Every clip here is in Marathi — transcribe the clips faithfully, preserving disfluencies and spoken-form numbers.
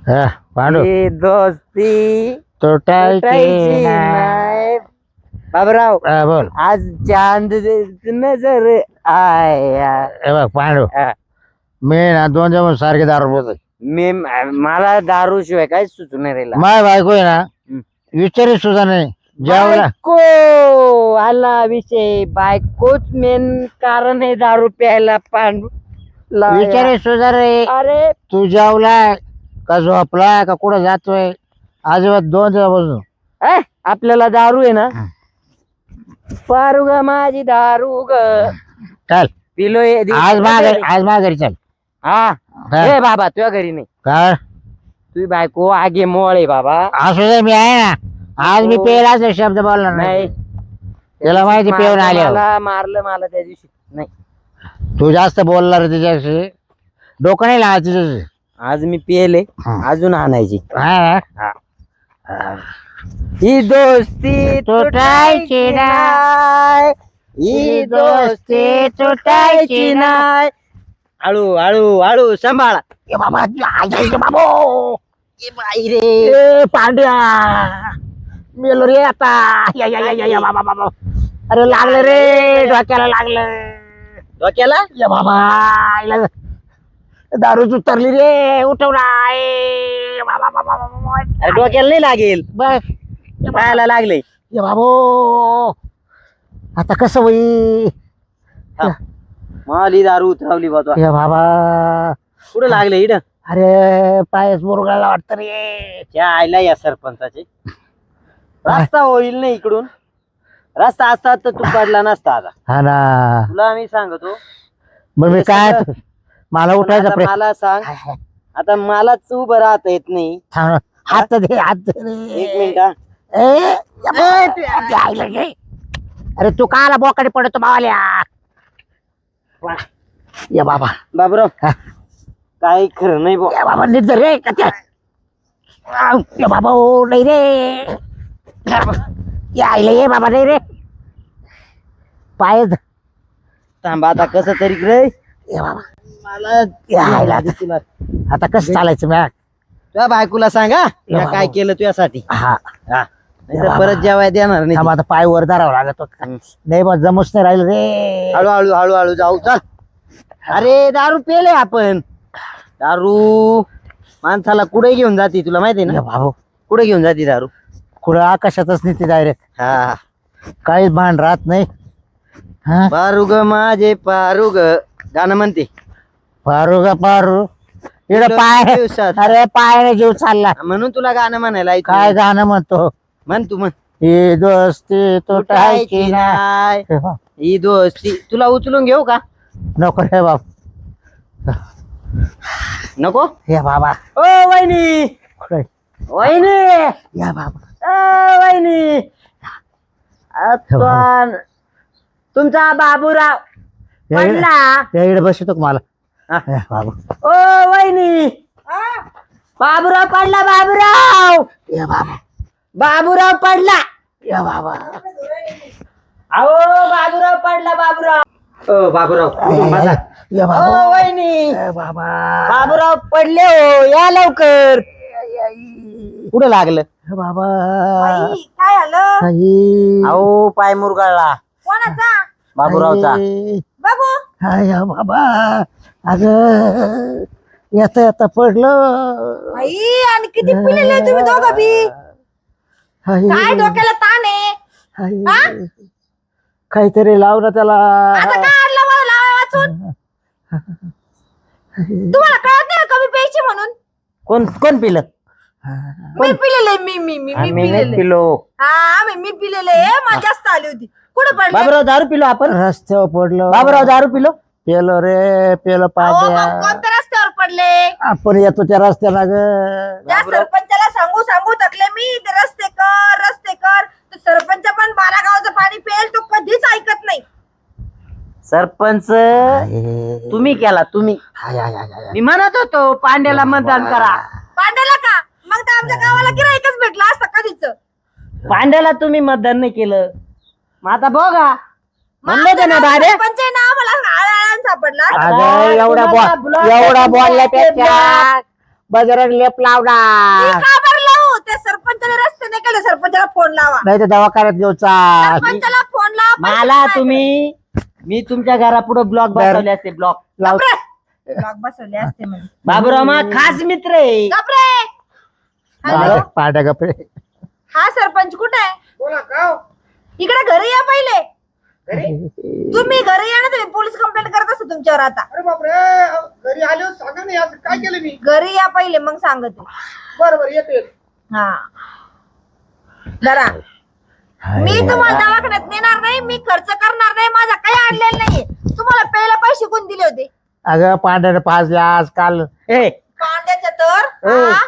हा, पांडू ही दोस्ती तुटायची तुटायची नाही. नाही. बाबूराव हा, बोल. आज चांद नजर आया. हे बघ पांडू, हा. मी ना दोन दिवस सारखे दारू बोलतोय. मी मला दारू शिवाय काय सुचू नाही राहिला. माय बायको आहे ना, विचारी सुद्धा नाही जेवला. बायको आला विषय. बायकोच मेन कारण आहे दारू प्यायला. पांडू विचारी सुद्धा रे. अरे तू जेवलाय का झोपलाय का कुठं जातोय? अजिबात दोन दिवसापासून अ, आपल्याला दारू आहे ना. पारू ग माझी दारू ग. चल पिलोय आज माघारी, आज माघारी चल. हा हा. ए बाबा तुझ्या घरी नाही. काय तुझी बायको आगे मोळ आहे बाबा. असू दे, मी आहे ना. आज मी हो. पेलाच शब्द बोलणार नाही. नाही त्याला माहिती पेऊन मारलं आले. मला मारलं मला त्या दिवशी. नाही तू जास्त बोलणार तिच्याशी, डोकं नाही लावा तिच्याशी. आज मी पिले. हा. अजून आणायची. हा. ही दोस्ती तुटायची नाही. ही दोस्ती तुटायची नाही. हळू हळू हळू सांभाळा. ए बाबा, आई, आई, बाबो. ए बाई रे. ए पांड्या, मेलो रे आता. या, या, या, या, या, बाबा, बाबा. अरे लागलं रे, डोक्याला लागलं. डोक्याला या बाबा, आईला दारूच उतरली रे. उठवला. ए बाबा, बाबा, बाबा. अरे डोक्याला नाही लागेल. बस पायाला लागले. या बाबो, आता कसं होई? माली दारू उतरवली बा तू. या बाबा, कुठं लागले इड? अरे पायस मुरगाळला वाटतं रे. त्या आईला या सरपंचाचे रस्ता होईल नाही इकडून. रस्ता असता तर तू पडला नसता आता. हा ना. तुला मी सांगतो. बरं मी हे काय, सगळं- मला पण उठायचा आता प्रयत्न. मला सांग. आता मलाच उभं राहता येत नाही. थांब, हात दे, हात दे रे. एक मिनिट हा. ए, या बाबा, जायला गे. अरे तू काला बोकाडी पडतो मावाल्या. या बाबा, बाबराव हा. काही खरं नाही बा. या बाबा नीट धर रे. कच्या. आव, या बाबा, ओ नाही रे. या आईला ये बाबा, नाही रे. पाय ध- थांबा आता कसं तरी रे. या बाबा, मला या आईला आता. तुला आता कसं चालायचं मॅ? तुझ्या बायकोला सांगा या मी काय बाबा. केलं तुझ्यासाठी. हा, हा नाहीतर परत जेवाय देणार नाही थांब ती. आता पाय वर धरावं लागत. हम्म. नाही बा, जमूच नाही राहिलं रे. हळूहळू हळूहळू जाऊ चल. अरे दारू पेले आपण. दारू माणसाला कुठे घेऊन जाते तुला माहिती या ना? बाबा, कुठे घेऊन जाते दारू? कुठं आकाशातच नाही ती डायरेक्ट. हा काहीच भान राहत नाही. हा, पारू ग माझे पारू ग गाणं म्हणते. पारू का पारू. इकडे इकडं पाय, दिवसात. अरे पायाने जीव चालला. म्हणून तुला गाणं म्हणायला येत काय नाही. गाणं म्हणतो? म्हण तू म्हण. ही दोस्ती तुटायची तुटायची नाही. नाही. ही दोस्ती तुला उचलून घेऊ का? नको रे बाप. नको. हे बाबा, ओ वहिनी. कुठे? वहिनी. या बाबा, ओ वहिनी. आता तुमचा बाबूराव पडला. या इकडे बसतो मला. हा. या बाबा, ओ वहिनी. बाबूराव पडला. बाबूराव. या बाबा, बाबूराव पडला. या बाबा. अहो बाबूराव पडला. बाबूराव. ओ बाबूराव बसा. या ओ बाबा, वहिनी. या बाबा. बाबूराव पडले हो. या लवकर. कुठं लागलं? या बाबा, बाई, काय आलं? आई. अहो पाय मुरगाळला कोणाचा? बाबूरावचा. आई. बघू. हा, या बाबा, अगं येता येता पडलं. बाई, आणि किती पिलेले तुम्ही दोघं बी. आई. काय डोक्याला ताण आहे? आई. हा? काहीतरी लाव ना त्याला. आता काय आणलं मला लावा वाचून? तुम्हाला कळत नाही का मी प्यायची म्हणून? कोण कोण पिलं? मी पिलेले. मी मी मी मी आम्ही नाही पिलेले. पिलो. हा मी मी पिलेले. मला जास्त आली होती. कुठे पडले? बाबूराव दारू पिलो आपण. रस्त्यावर पडलो. बाबूराव दारू पिलो. पेलो रे, पेलो अहो, पाट्या. मग कोणत्या रस्त्यावर पडले? आपण येतो त्या रस्त्याला ग. त्या सरपंचाला सांगू सांगू थकले मी. ते रस्ते कर रस्ते कर. तो सरपंच पण बारा गावाचं पाणी पेल तो कधीच ऐकत नाही. सरपंच तुम्ही केला. तुम्ही हाय, हाय, हाय, हाय. मी म्हणत होतो पांड्याला मतदान करा. पांड्याला का? मग तर आमच्या गावाला गिराईकच भेटला असता कधीच. पांड्याला तुम्ही मतदान नाही केलं. मग आता बघा म्हणलं होतं ना दादे. सरपंच आहे ना मला आळाळान सापडला. अगं एवढा तुम्हाला बॉल block एवढा टाकून बोलल्यापेक्षा बजरंग लेप मी लावणार का बरं लावू? त्या सरपंचाने रस्ते नाही केले, सरपंचाला फोन लावा. नाही तर दवाखान्यात घेऊ चाल सरपंचाला फोन लावा. पैसे मला नाही तुम्ही मी तुमच्या घरापुढे ब्लॉक बसवले असते ब्लॉक लाव गप्रे. ब्लॉक बसवले असते म्हणजे. बाबूराव मा खास मित्र आहे. गप्रे. हॅलो, पाड्या गपरे हा सरपंच कुठे आहे? बोला का हो? इकडे घरी या पहिले. घरी? तुम्ही घरी या ना, तुम्ही पोलीस कंप्लेंट करत असतो तुमच्यावर आता. अरे बापरे, घरी आले हो, सांगा नाही आज काय केलं मी. घरी या पहिले, मग सांगते. बरं बरं येतो येतो. हा जरा मी तुम्हाला दवाखान्यात नेणार नाही, मी खर्च करणार नाही, माझा काही आणलेला नाहीये. तुम्हाला पहिला पैसे कोण दिले होते? अगं पांढऱ्याने पाच आज काल ए कांद्याच्या तर हो. हा?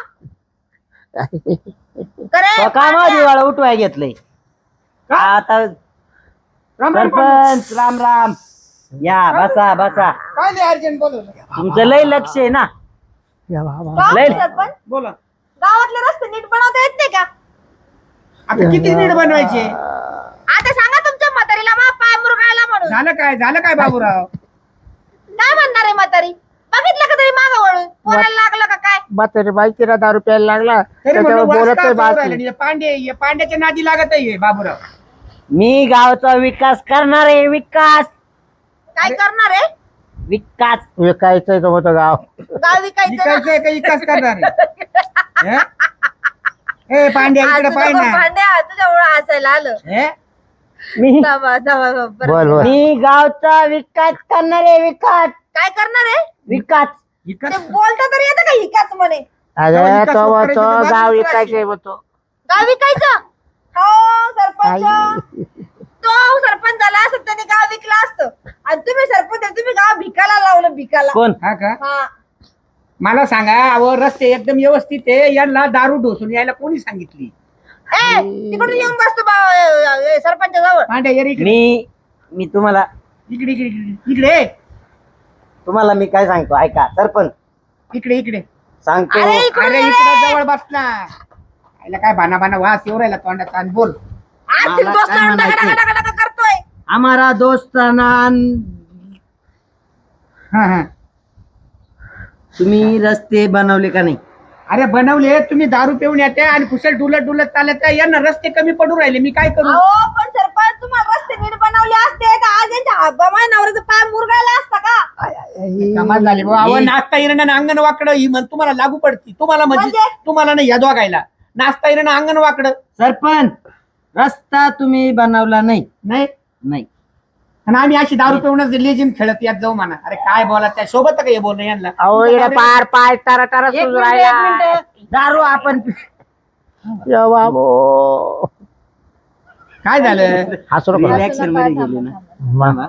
करे कामा पांड्या. दिवाळा उठवाय घेतलंय आता राम राम सरपंच राम राम या बसा बसा काय नाही अर्जंट बोलवलं. तुमचं लय लक्ष आहे ना या बाबा. का लय- सरपंच? बोला गावातले रस्ते नीट बनवता येत नाही का? आता किती नीट बनवायचे. आता सांगा तुमच्या म्हातारीला मा पाय मुरगाळला म्हणून. झालं काय झालं काय बाबूराव. काय म्हणणार आहे म्हातारी? बघितलं का तरी मागं वळून पोराला लागलं का काय? म्हातारी बाईची ना दारू प्यायला लागला तरी त्याच्यावर म्हणलं बोलत वास का नाही करू बास राहिला नाही. पांडे हे पांड्याच्या नादी लागत आहे बाबूराव. मी गावचा विकास करणार आहे विकास काय करणार आहे? विकास विकायचंय तो होतं गाव गाव विकायचं ना? विकायचंय का विकास करणार आहे? हे? ए पांड्या आज इकडे तुझं पाय ना. भांड्या तुझ्या ओळख हसायला आलं. हे? मी थांबा, थांबा, थांबा. बोल बोल मी गावचा विकास करणार आहे विकास काय करणार आहे? विकास विकास ते बोलता तरी येतं का हिकाच म्हणे? अगं विकास तो करायचे तो तर गाव बाजूला विकायचंय म्हणतो गाव विकायचं? हो सरपंच. आई. तो सरपंच झाला असत त्याने गाव विकला असतं, आणि तुम्ही सरपंच आहे, तुम्ही गाव भिकाला लावलं, भिकाला. कोण हा का हा. मला सांगा अहो रस्ते एकदम व्यवस्थित आहे यांना दारू ढोसून यायला कोणी सांगितली. ए, तिकडून येऊन बसतो बा सरपंच जवळ. पांड्या ये रे इकडे मी मी तुम्हाला इकडे इकडे इकडे इकडे तुम्हाला मी काय सांगतो ऐका सरपंच इकडे इकडे सांगतो अरे इकडून अरे ये इकडे रे. जवळ बसला. याला काय भाना भाना वास येऊ राहिला तोंडाचा आणि बोल. आज मला तुम्ही दोस्त काय आणून म्हणायचंय? डगा- डगा- डगा- डगा करतोय. आम्हाला दोस्ताना हा हा तुम्ही रस्ते बनवले का नाही अरे बनवले तुम्ही दारू पिऊन येते आणि कुशल डुलत डुलत चालत आहे. यांना रस्ते कमी पडू राहिले मी काय करू. अहो पण सरपंच तुम्हाला रस्ते नीट बनवले असते तर आज यांच्या हब्बामाय नवऱ्याचा पाय मुरगायला असता का? कमाल झाली बुवा. अहो नाचता येणं अंगण वाकडं ही म्हण तुम्हाला लागू पडती. तुम्हाला म्हणजे म्हणजे? तुम्हाला नाही या दोघायला नाचता येणं अंगण वाकडं सरपंच रस्ता तुम्ही बनवला नाही नाही. नाही आणि आम्ही अशी दारू पिऊनच लेजिम खेळत यात जाऊ म्हणा. अरे काय बोला त्या सोबत काय बोलणं यांना. अहो इकडे पार पाय तारा तारा एक सुरू मिनिट, एक राहिला मिनिट. दारू आपण या बाबो काय झालं. हसू नको रिलॅक्शन मध्ये गेले ना मा-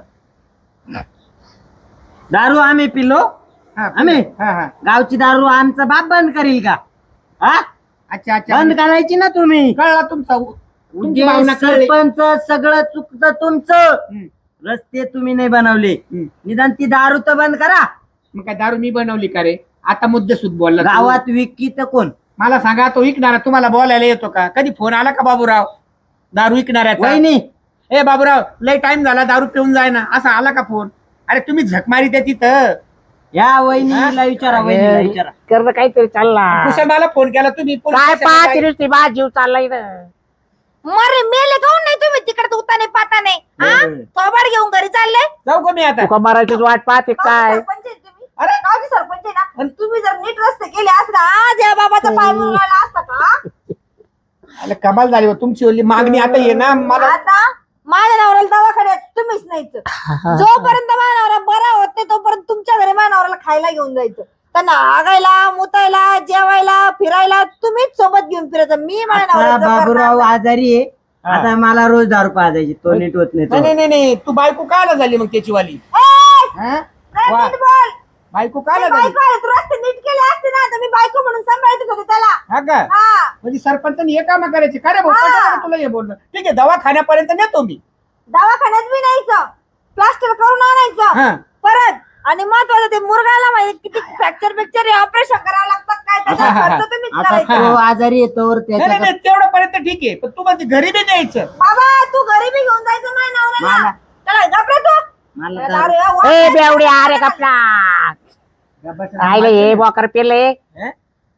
दारू आम्ही पिलो हा, आम्ही हा हा गावची दारू आमचा बाप बंद करील का हा अच्छा अच्छा बंद करायची ना तुम्ही कळला तुमचा तुमची उद्या भावना कळली. सरपंच सगळं चुकतं तुमचं हम्म, रस्ते तुम्ही नाही बनवले हम्म. निदान ती दारू तर बंद करा मग काय दारू मी बनवली का रे. आता मुद्देसूद बोलला तू. गावात विकी तर कोण मला सांगा तो विकणारा तुम्हाला बोलायला येतो का. कधी फोन आला का बाबूराव दारू विकणाऱ्याचा. वहिनी ए बाबूराव लय टाइम झाला दारू पिऊन जाय ना असा आला का फोन. अरे तुम्ही झक मारी त्या तिथं. या वहिनीला विचारा वहिनीला विचारा करणं काहीतरी चालला कुशल मला फोन केला तुम्ही पोलीस काय स्टेशनला पाच जाय. नुसती बा जीव चाललाय ना मरे मेले काऊन नाही तुम्ही तिकडे उताने पाताने? हा बरोबर. थोबाड घेऊन घरी चालले? जाऊ का मी आता. तुका मराठीच वाट पाहते काय सरपंच आहे तुम्ही? अरे गावचे सरपंच आहे ना? आणि तुम्ही जर नीट रस्ते केले असता आज या बाबाचा पाय मुरगाळला असता का? अरे कमाल झाली हो तुमची ओली मागणी आता ये ना मला. आता माझ्या नवऱ्याला दवाखान्यात तुम्हीच न्यायचं. जोपर्यंत माझ्या नवरा बरा होत नाही तोपर्यंत तुमच्या घरी माझ्या नवऱ्याला खायला घेऊन जायचं. त्यांना आगायला मुतायला जेवायला फिरायला तुम्हीच सोबत घेऊन फिरायचं. मी माझ्या आता नवऱ्याचं बाबूराव करणार आजारी आहे हा. आता मला रोज दारू पाजायची तो नीट होत नाही नाही तो. नाही नाही, नाही तू बायको कायला झाली मग त्याची वाली. नाही. ए, हा? नाही, वा. नीट बोल. बायको मी कायला झाली. बायको आहे, तू रस्ते नीट केले असते ना तर मी बायको म्हणून सांभाळत होते त्याला. हा का हा म्हणजे सरपंचानी हे काम करायचे का रे भाऊ. हा. पटकन तुला हे बोलणं ठीक आहे दवाखान्यापर्यंत नेतो मी. दवाखान्यात बी न्यायचं, प्लास्टर करून आणायचं हा परत. आणि महत्वाचं ते मुरगाला माहिती किती फ्रॅक्चर फ्रॅक्चर ऑपरेशन करावं लागतं काय त्याचा हा, हा, खर्च हा. तुम्हीच आता करायचा. तो आजारी येतोवर नाही नाही त्याच्या नाही, तेवढ्यापर्यंत ठीक आहे पण तू माझी घरी बी द्यायचं. बाबा तू घरी बी घेऊन जायचं माझ्या नवऱ्याला. मला- त्याला घाबरे तू. मला त्याला दारू- अरे वा, ए बेवडी अरे कपला गप्प बस. राहिले हे बोकर पेले हे?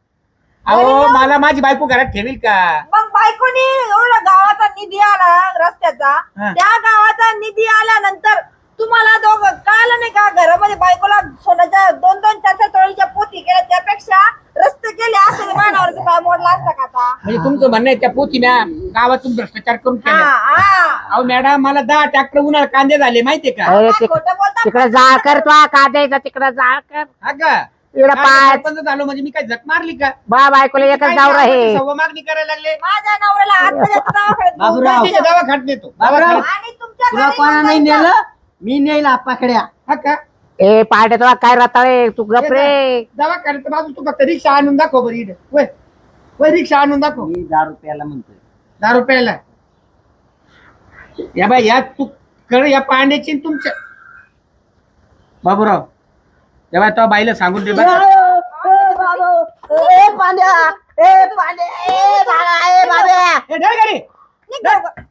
अहो मला माझी बायको घरात ठेवील का? मग बायकोनी एवढा गावाचा निधी आला रस्त्याचा, हा. त्या गावाचा निधी आल्यानंतर तुम्हाला दोघं कळलं नाही का घरामध्ये बायकोला सोन्याच्या दोन दोन चार चार तोळीच्या पोती केल्या, त्यापेक्षा रस्ते केले असं मानावरचा पाय मोडला असता का आता? म्हणजे तुमचं म्हणणं आहे त्या पोतीने गावातून भ्रष्टाचार करून हा, केला? हा. अहो मॅडम मला दहा ट्रॅक्टर उन्हाळ कांदे झाले माहितीये का? अरे काय तिक- खोटं बोलता? तिकडे जाळ कर तो का द्यायचा तिकडे जाळ कर हा का? इकडे काय पाच सरपंच झालो म्हणजे मी काय झक मारली का? बा बायकोला एकच काय नाव गावामध्ये आहे सव्वा मागणी करायला लागले. माझ्या नवऱ्याला आत्महत्या दवाखान्यात घेऊन बाबूराव. जायचं. दवा खात नेतो. बाबूराव. आणि तुमच्या तुला घरी कोणा नाही येऊन जायचं. नेलं मी नेईल आपाकड्या. हा का? ए पार्ट्या तुला काय रताळे तू गप रे दवा खाण्याचं बाजू तू फक्त रिक्षा आणून दाखव बरं इकडे. वय वय रिक्षा आणून दाखव. मी दहा रुपयाला म्हणतोय. दहा रुपयाला या बाई या तू कर या पाण्याची न तुमच्या बाबूराव या बाई तो बाईला सांगून दे बरं. ए बाबू, ए पांड्या, ए पांड्या, ए बाळा, ए बाब्या. ए, धर गाडी. निघ गं.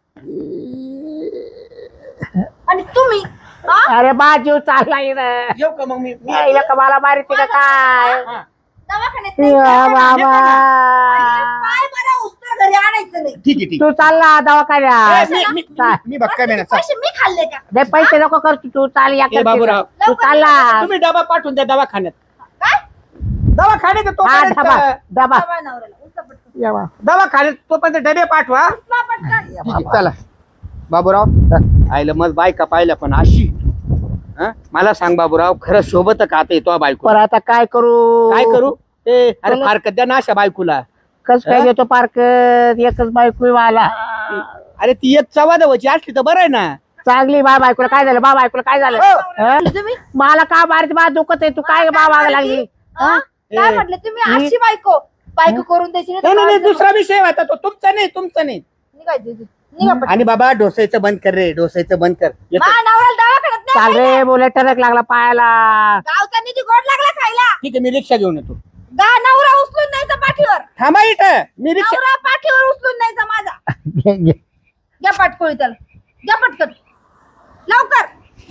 आणि तुम्ही हा? अरे बा जीव चालला इकडं. येऊ का मग मी मी- यायला का मला मारिते का काय हा. दवाखान्यात नाही या जायचं. बाबा आणि पाय बरं उस्तर घरी आणायचं नाही. ठीक आहे ठीक तू चालला आहे. दवाखान्यात ए, मी- मी- चाल. मी बक्का मेना चाल. पैसे मी खाल्ले का? दे पैसे नको कर तू चाल या ए, बाबूराव. तू चालला तुम्ही डबा पाठवून द्या दवाखान्यात. काय? दवाखान्यात तो हा डबा डबा बाबा नवऱ्याला उचला पटकन. या बा. दवाखान्यात तोपर्यंत डबे पाठवा. उचला पटकन. ठीक आहे, चला बाबूराव आयलं मग बायका पाहिल्या पण अशी हं? मला सांग बाबूराव खरं सोबत का आता येतो बायको पण आता काय करू काय करू ए अरे फारकत द्या ना अशा बायकोला. कस काय देतो पार्क एकच बायको मला अरे ती एक चवाद व्हायची असली तर बरं आहे ना. चांगली बा बायकोला काय झालं बा बायकोला काय झालं हं? तुम्ही मला का मारते बा दुखत आहे तू काय बा मागा लागली हा? काय म्हटलं तुम्ही अशी बायको बायको करून द्यायची नाही नाही तर नाही नाही, बाजूला- दुसरा विषय होता तो तुमचा नाही तुमचा नाही. निघायचं इथून. निघा पटकन. आणि बाबा डोसायचं बंद कर रे डोसायचं बंद कर येतो. मा नवऱ्याला दवाखान्यात चाल नाही रे बोले टरक लागला पायाला गावचा निधी गोड लागला खायला. ठीक आहे मी रिक्षा घेऊन येतो. गा नवरा उचलून न्यायचा पाठीवर. थांबा इथं मी रिक्षा नवरा पाठीवर उचलून न्यायचा माझा. घ्या पाटकोळी त्याला. घ्या पटकन. लवकर.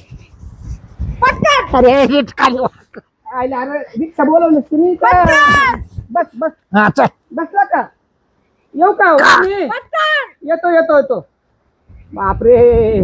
पटकन. अरे नीट खाली वा. आयला, अरे, रिक्षा बोलवलं तुम्ही का? पटकन. बस बस हा, चल. बसला का येऊ का मी? पटकन. येतो येतो येतो. बापरे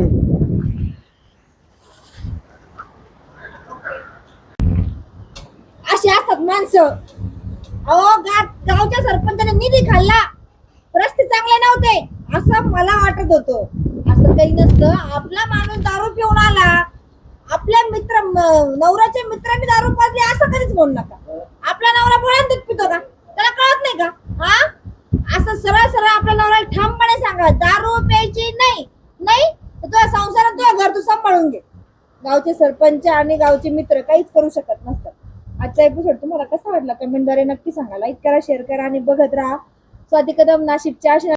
अशी असतात माणसं. अहो गा- गावच्या सरपंचाने निधी खाल्ला, रस्ते चांगले नव्हते असं मला वाटत होतं. असं काही नसतं. आपला माणूस दारू पिऊन आला, आपल्या मित्र म- नवऱ्याच्या मित्रांनी दारू पाजली असं कधीच म्हणू नका. आपला नवरा बोळ्यात दूध पितो का? त्याला कळत नाही का? हा असं सरळ सरळ आपल्या नवऱ्याला ठामपणे सांगा दारू प्यायची नाही. नाही तर तुझ्या संसारात तुझ्या घर तू सांभाळून घे. गावचे सरपंच आणि गावचे मित्र काहीच करू शकत नसतात. आजचा एपिसोड तुम्हाला कसा वाटला कमेंटद्वारे नक्की सांगा. लाईक करा, शेअर करा आणि बघत राहा स्वाती कदम नाशिकच्या अशा